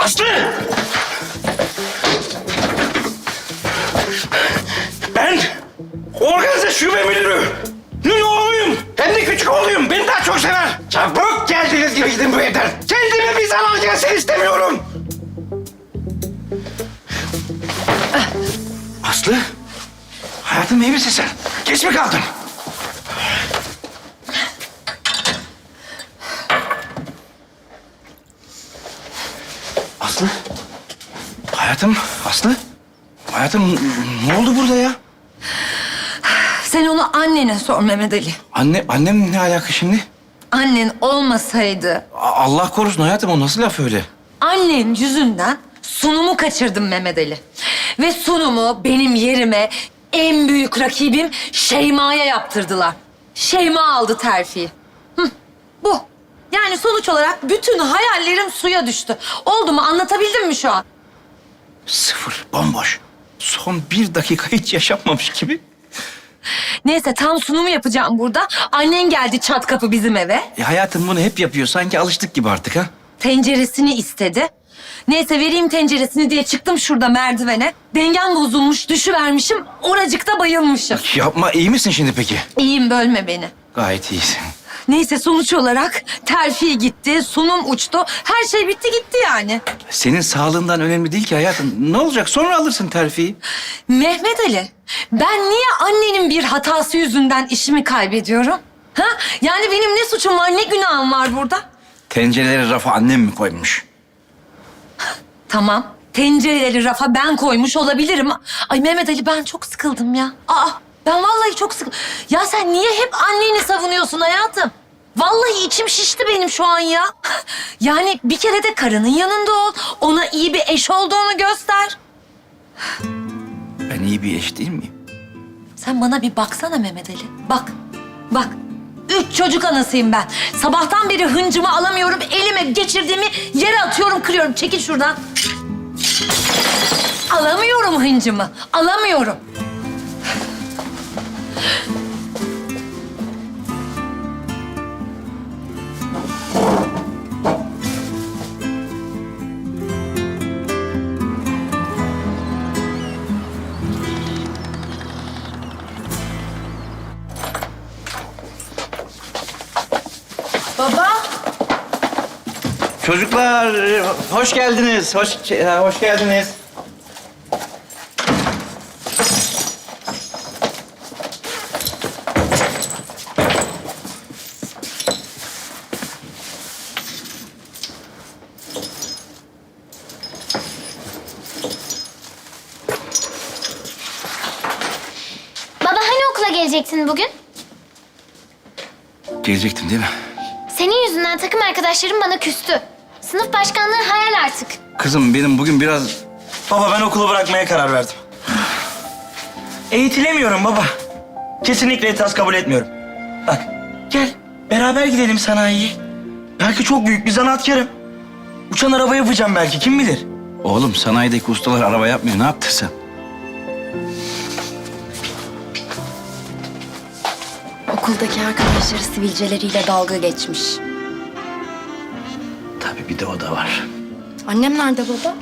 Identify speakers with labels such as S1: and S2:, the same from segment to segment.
S1: Aslı! Ben organize şube müdürü oğluyum. Hem de küçük oğluyum. Beni daha çok sever. Çabuk geldiğiniz gibi gidin bu evden. Kendime bir zarar gelsin istemiyorum. Aslı, hayatım iyi misin sen? Geç mi kaldın? Aslı, hayatım, Aslı. Hayatım ne oldu burada ya?
S2: Sen onu annene sor Mehmet Ali.
S1: Annem ne alaka şimdi?
S2: Annen olmasaydı
S1: Allah korusun hayatım, o nasıl laf öyle?
S2: annen yüzünden sunumu kaçırdım Mehmet Ali. Ve sunumu benim yerime en büyük rakibim Şeyma'ya yaptırdılar. Şeyma aldı terfiyi. Bu. Yani sonuç olarak bütün hayallerim suya düştü. Oldu mu? Anlatabildim mi şu an?
S1: Sıfır, bomboş. Son 1 dakika hiç yaşanmamış gibi.
S2: Neyse tam sunumu yapacağım burada. Annen geldi çat kapı bizim eve.
S1: Hayatım bunu hep yapıyor. Sanki alıştık gibi artık ha.
S2: Tenceresini istedi. Neyse vereyim tenceresini diye çıktım şurada merdivene. Dengem bozulmuş, düşüvermişim. Oracıkta bayılmışım.
S1: Yapma, iyi misin şimdi peki?
S2: İyiyim, bölme beni.
S1: Gayet iyisin.
S2: Neyse sonuç olarak terfi gitti, sunum uçtu. Her şey bitti gitti yani.
S1: Senin sağlığından önemli değil ki hayatım. Ne olacak? Sonra alırsın terfiyi.
S2: Mehmet Ali, ben niye annenin bir hatası yüzünden işimi kaybediyorum? Ha? Yani benim ne suçum var, ne günahım var burada?
S1: Tencereleri rafa annem mi koymuş?
S2: Tamam. Tencereleri rafa ben koymuş olabilirim. Ay Mehmet Ali ben çok sıkıldım ya. Ben vallahi çok sıkıldım. Ya sen niye hep anneni savunuyorsun hayatım? Vallahi içim şişti benim şu an ya. Yani bir kere de karının yanında ol. Ona iyi bir eş olduğunu göster.
S1: Ben iyi bir eş değil miyim?
S2: Sen bana bir baksana Mehmet Ali. Bak, bak. 3 çocuk anasıyım ben. Sabahtan beri hıncımı alamıyorum. Elime geçirdiğimi yere atıyorum, kırıyorum. Çekil şuradan. Alamıyorum hıncımı. Alamıyorum.
S3: Baba.
S1: Çocuklar, hoş geldiniz. Hoş geldiniz.
S3: Baba hani okula gelecektin bugün?
S1: Gelecektim değil mi?
S3: Senin yüzünden takım arkadaşlarım bana küstü. Sınıf başkanlığı hayal artık.
S1: Kızım benim bugün biraz...
S4: Baba ben okulu bırakmaya karar verdim. Eğitilemiyorum baba. Kesinlikle itiraz kabul etmiyorum. Bak gel beraber gidelim sanayiye. Belki çok büyük bir zanaatkarım. Uçan araba yapacağım belki kim bilir.
S1: Oğlum sanayideki ustalar araba yapmıyor. Ne yaptın sen?
S5: Okuldaki arkadaşları sivilceleriyle dalga geçmiş.
S1: Tabii bir de o da var.
S5: Annem nerede baba?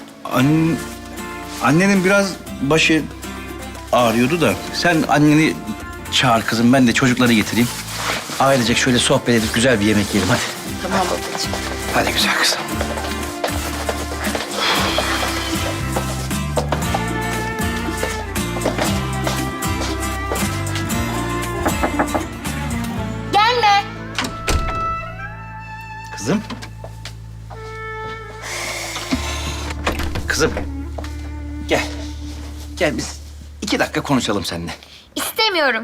S1: Annenin biraz başı ağrıyordu da sen anneni çağır kızım, ben de çocukları getireyim. Ailecek şöyle sohbet edip güzel bir yemek yiyelim hadi.
S5: Tamam babacığım.
S1: Hadi güzel kızım.
S3: Gelme.
S1: Kızım. Kızım. Gel. Gel biz 2 dakika konuşalım seninle.
S3: İstemiyorum.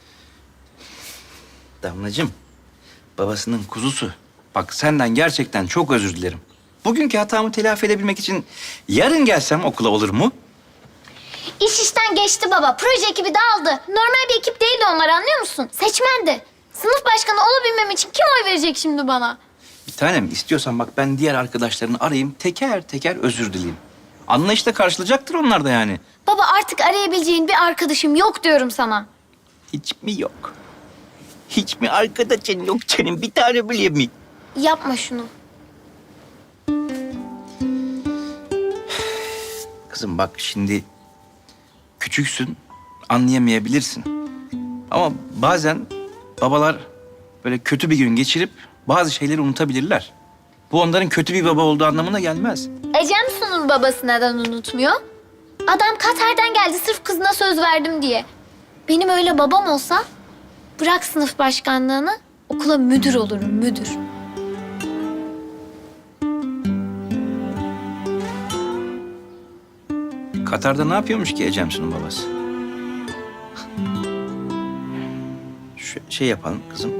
S1: Damlacığım, babasının kuzusu. Bak senden gerçekten çok özür dilerim. Bugünkü hatamı telafi edebilmek için yarın gelsem okula olur mu?
S3: İş işten geçti baba. Proje ekibi dağıldı. Normal bir ekip değildi onlar anlıyor musun? Seçmendi. Sınıf başkanı olabilmem için kim oy verecek şimdi bana?
S1: Bir tanem istiyorsan bak ben diğer arkadaşlarını arayayım, teker teker özür dileyeyim. Anlayışla karşılayacaktır onlar da yani.
S3: Baba artık arayabileceğin bir arkadaşım yok diyorum sana.
S1: Hiç mi yok? Hiç mi arkadaşın yok senin bir tane bile mi?
S3: Yapma şunu.
S1: Kızım bak şimdi küçüksün, anlayamayabilirsin. Ama bazen babalar böyle kötü bir gün geçirip bazı şeyleri unutabilirler. Bu onların kötü bir baba olduğu anlamına gelmez.
S3: Ecem Su'nun babası neden unutmuyor? Adam Katar'dan geldi sırf kızına söz verdim diye. Benim öyle babam olsa bırak sınıf başkanlığını okula müdür olurum müdür.
S1: Katar'da ne yapıyormuş ki Ecemsu'nun babası? Şey yapalım kızım.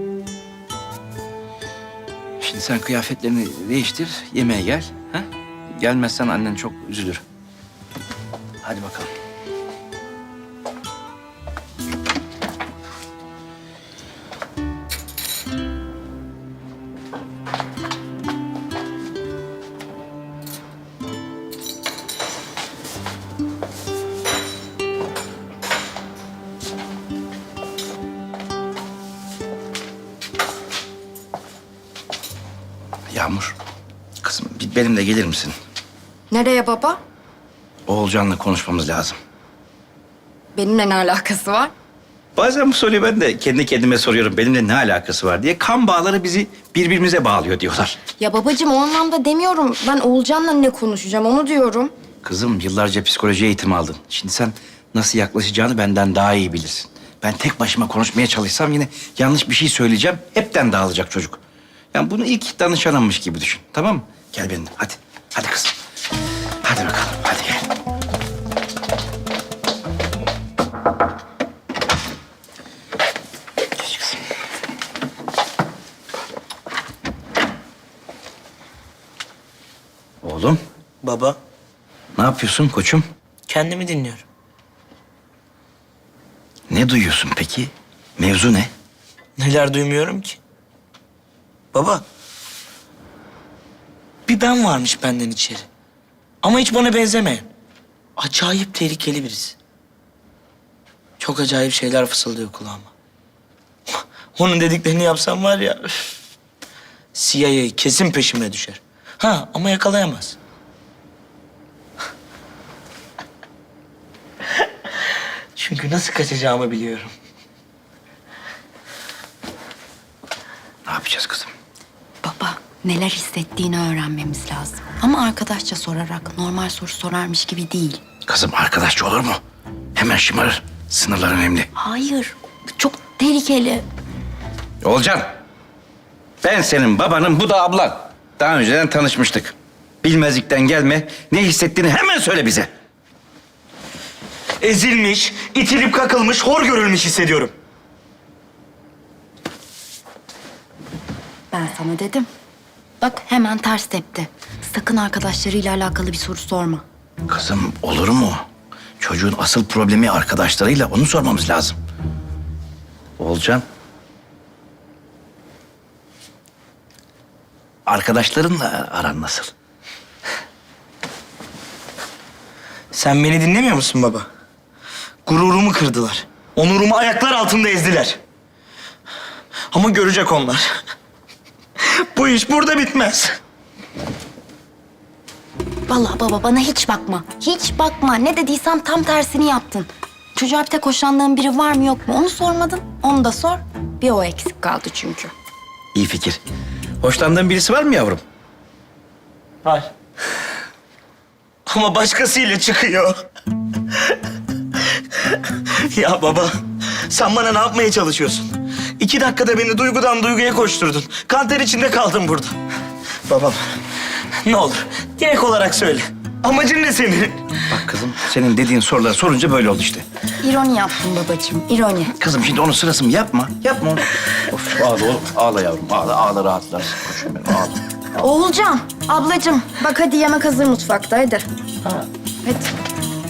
S1: Şimdi sen kıyafetlerini değiştir, yemeğe gel. Ha? Gelmezsen annen çok üzülür. Hadi bakalım. Yağmur, kızım benimle gelir misin?
S5: Nereye baba?
S1: Oğulcan'la konuşmamız lazım.
S5: Benimle ne alakası var?
S1: Bazen bu soruyu ben de kendi kendime soruyorum. Benimle ne alakası var diye. Kan bağları bizi birbirimize bağlıyor diyorlar.
S5: Ya babacığım o anlamda demiyorum. Ben Oğulcan'la ne konuşacağım onu diyorum.
S1: Kızım yıllarca psikoloji eğitimi aldın. Şimdi sen nasıl yaklaşacağını benden daha iyi bilirsin. Ben tek başıma konuşmaya çalışsam yine yanlış bir şey söyleyeceğim. Hepten dağılacak çocuk. Yani bunu ilk danışanımmış gibi düşün. Tamam mı? Gel benimle hadi. Hadi kızım. Hadi bakalım. Hadi gel. Geç kızım. Oğlum
S4: Baba,
S1: ne yapıyorsun koçum?
S4: kendimi dinliyorum.
S1: Ne duyuyorsun peki? Mevzu ne?
S4: Neler duymuyorum ki? Baba, bir ben varmış benden içeri. Ama hiç bana benzemeyen. Acayip tehlikeli birisi. Çok acayip şeyler fısıldıyor kulağıma. Onun dediklerini yapsam var ya... üf, CIA kesin peşime düşer. Ha ama yakalayamaz. Çünkü nasıl kaçacağımı biliyorum.
S1: Ne yapacağız kızım?
S5: Baba neler hissettiğini öğrenmemiz lazım. Ama arkadaşça sorarak normal soru sorarmış gibi değil.
S1: Kızım arkadaşça olur mu? Hemen şımarır. Sınırlar önemli.
S5: Hayır çok tehlikeli.
S1: Olcan. Ben senin babanım, bu da ablan. Daha önceden tanışmıştık. Bilmezlikten gelme. Ne hissettiğini hemen söyle bize.
S4: Ezilmiş, itilip kakılmış, hor görülmüş hissediyorum.
S5: Ben sana dedim. Bak hemen ters tepti. Sakın arkadaşlarıyla alakalı bir soru sorma.
S1: Kızım olur mu? Çocuğun asıl problemi arkadaşlarıyla, onu sormamız lazım. Olcan. Arkadaşlarınla aran nasıl?
S4: Sen beni dinlemiyor musun baba? Gururumu kırdılar. Onurumu ayaklar altında ezdiler. Ama görecek onlar. Bu iş burada bitmez.
S5: Vallahi baba bana hiç bakma. Hiç bakma. Ne dediysem tam tersini yaptın. Çocuğa bir tek hoşlandığın biri var mı yok mu onu sormadın. Onu da sor. Bir o eksik kaldı çünkü.
S1: İyi fikir. Hoşlandığın birisi var mı yavrum?
S4: Var. Ama başkasıyla çıkıyor. Ya baba, sen bana ne yapmaya çalışıyorsun? 2 dakikada beni duygudan duyguya koşturdun. Kanter içinde kaldım burada. Babam, ne olur direkt olarak söyle. Amacın ne senin?
S1: Bak kızım, senin dediğin soruları sorunca böyle oldu işte.
S5: İroni yaptın babacığım, ironi.
S1: Kızım şimdi onun sırası mı? Yapma, yapma onu. Of ağla oğlum, ağla yavrum, ağla, ağla rahatlarsın. Koçum benim, ağla.
S5: Oğulcan, ablacığım bak hadi yemek hazır mutfakta hadi. Hadi.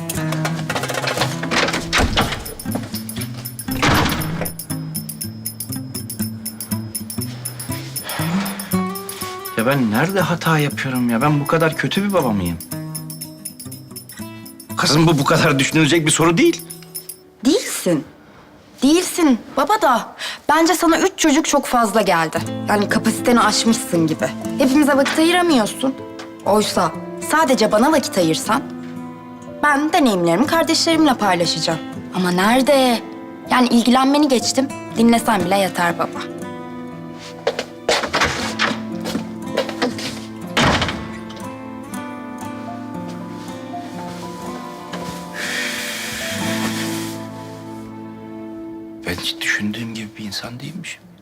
S1: Ya ben nerede hata yapıyorum ya? Ben bu kadar kötü bir baba mıyım? Kızım bu kadar düşünülecek bir soru değil.
S5: Değilsin. Değilsin baba da. Bence sana 3 çocuk çok fazla geldi. Yani kapasiteni aşmışsın gibi. Hepimize vakit ayıramıyorsun. Oysa sadece bana vakit ayırsan Ben deneyimlerimi kardeşlerimle paylaşacağım. Ama nerede? Yani ilgilenmeni geçtim. Dinlesen bile yeter baba.
S1: Ben hiç düşündüğüm gibi bir insan değilmişim.